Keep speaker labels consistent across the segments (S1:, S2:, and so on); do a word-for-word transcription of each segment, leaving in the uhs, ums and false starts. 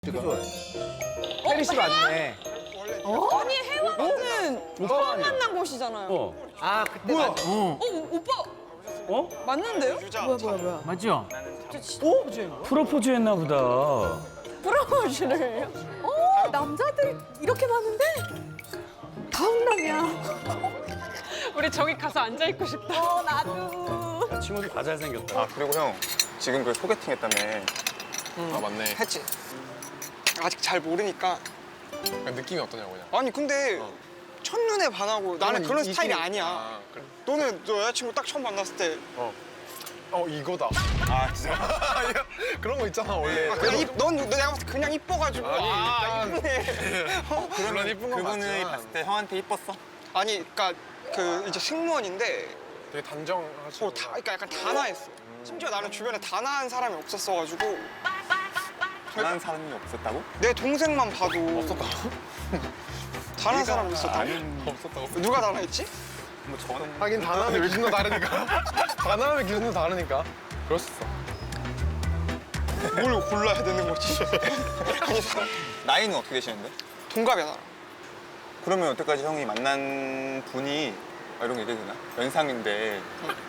S1: 혜리 씨 맞네.
S2: 어? 아니 해왕은 처음 만난 곳이잖아요. 어,
S3: 어.
S1: 아 그때 뭐야?
S2: 어 오빠
S3: 어?
S2: 맞는데요? 뭐야 뭐야 뭐야?
S3: 맞죠?
S2: 어?
S3: 프로포즈 했나 보다.
S2: 프로포즈를요? 어 남자들이 이렇게 많은데? 다운남이야. 우리 저기 가서 앉아 있고 싶다. 어 나도.
S3: 친구들 다 잘생겼다.
S4: 아 그리고 형 지금 그 소개팅 했다며.
S5: 아 맞네.
S6: 했지. 아직 잘 모르니까.
S5: 그러니까 느낌이 어떠냐고 그냥.
S6: 아니 근데
S5: 어.
S6: 첫눈에 반하고 나는
S5: 그러면
S6: 그런
S5: 이-
S6: 스타일이
S5: 이심이-
S6: 아니야.
S5: 아, 그래.
S6: 너는 너 여자친구 딱 처음 만났을 때
S5: 어 이거다.
S4: 아 진짜.
S5: 그런 거 있잖아 원래.
S6: 아, 그냥 이, 넌, 너 내가 봤을 때 그냥 이뻐가지고
S5: 아니,
S6: 아
S5: 일단-
S6: 이쁘네. 어?
S5: 물론 이쁜 건
S4: 그분이
S5: 맞지만
S4: 봤을 때 형한테 이뻤어?
S6: 아니 그니까 그 이제 승무원인데
S5: 되게 단정하시고.
S6: 어, 다, 그러니까 약간 단아했어. 심지어 나는 주변에 단아한 사람이 없었어가지고
S4: 단한 사람이 없었다고?
S6: 내 동생만 봐도
S5: 없었다고?
S6: 단아한 사람이 있었다.
S5: 없었다고.
S6: 누가 단아했지?
S4: 뭐 저는
S5: 하긴 단함의 기준도 다르니까. 단함의 기준도 다르니까. 그럴 수 있어.
S6: 뭘 골라야 되는 거지? 아니 사람
S4: 나이는 어떻게 되시는데?
S6: 동갑이야 나랑.
S4: 그러면 여태까지 형이 만난 분이 아, 이런 거 얘기해도 되나? 연상인데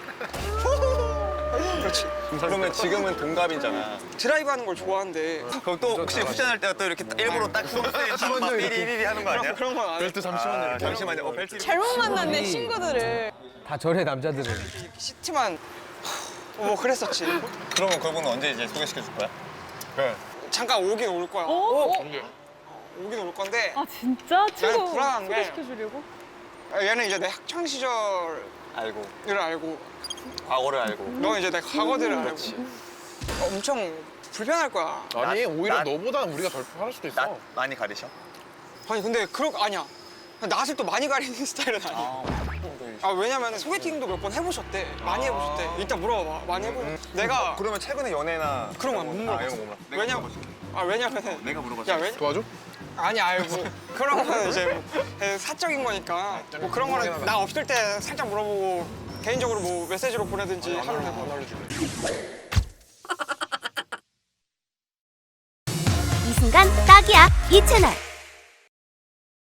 S6: 그렇지.
S4: 그러면 지금은 동갑이잖아.
S6: 드라이브 하는 걸 좋아하는데
S4: 그럼 또 혹시 후전할 때가 또 이렇게 딱 일부러 딱 손을 막 삐리리리 하는 거 아니야?
S6: 그런 건 안 해.
S5: 벨트 잠시만요.
S4: 아,
S5: 이렇게.
S4: 잠시만요. 어, 벨트
S2: 잘못 만났네 친구들을.
S1: 다 저래 남자들은.
S6: 시트만 뭐 그랬었지.
S4: 그러면 그분은 언제 이제 소개시켜 줄 거야?
S5: 그래.
S6: 잠깐 오긴 올 거야.
S2: 어?
S6: 오긴 올 건데
S2: 아 진짜? 친구
S6: 불안한 게-
S2: 소개시켜주려고?
S6: 얘는 이제 내 학창 시절을
S4: 알고
S6: 알고
S4: 과거를 알고
S6: 너는 이제 내 과거들을 알고 엄청 불편할 거야.
S5: 아니
S4: 나-
S5: 오히려
S4: 나-
S5: 너보다는 우리가 덜 편할 수도 있어.
S4: 낯 많이 가리셔?
S6: 아니 근데 그런 거 아니야. 낯을 또 많이 가리는 스타일은 아니야.
S4: 아,
S6: 아 왜냐면 소개팅도 몇 번 해보셨대. 많이 해보셨대. 이따 물어봐. 많이 해보. 내가
S4: 그러면 최근에 연애나
S6: 그런 거못
S4: 아,
S6: 물어봤어.
S4: 이런 거 몰라. 내가
S6: 왜냐면
S4: 물어볼게.
S6: 아 왜냐면은
S4: 내가 물어봤어.
S6: 야 왜?
S5: 도와줘?
S6: 아니 알고 그런 거는 이제 뭐 에, 사적인 거니까 뭐 그런 거는 나 없을 때 살짝 물어보고 개인적으로 뭐 메시지로 보내든지 하면 되고.
S5: 안 알려줄래.
S7: 이 순간 딱이야 이 채널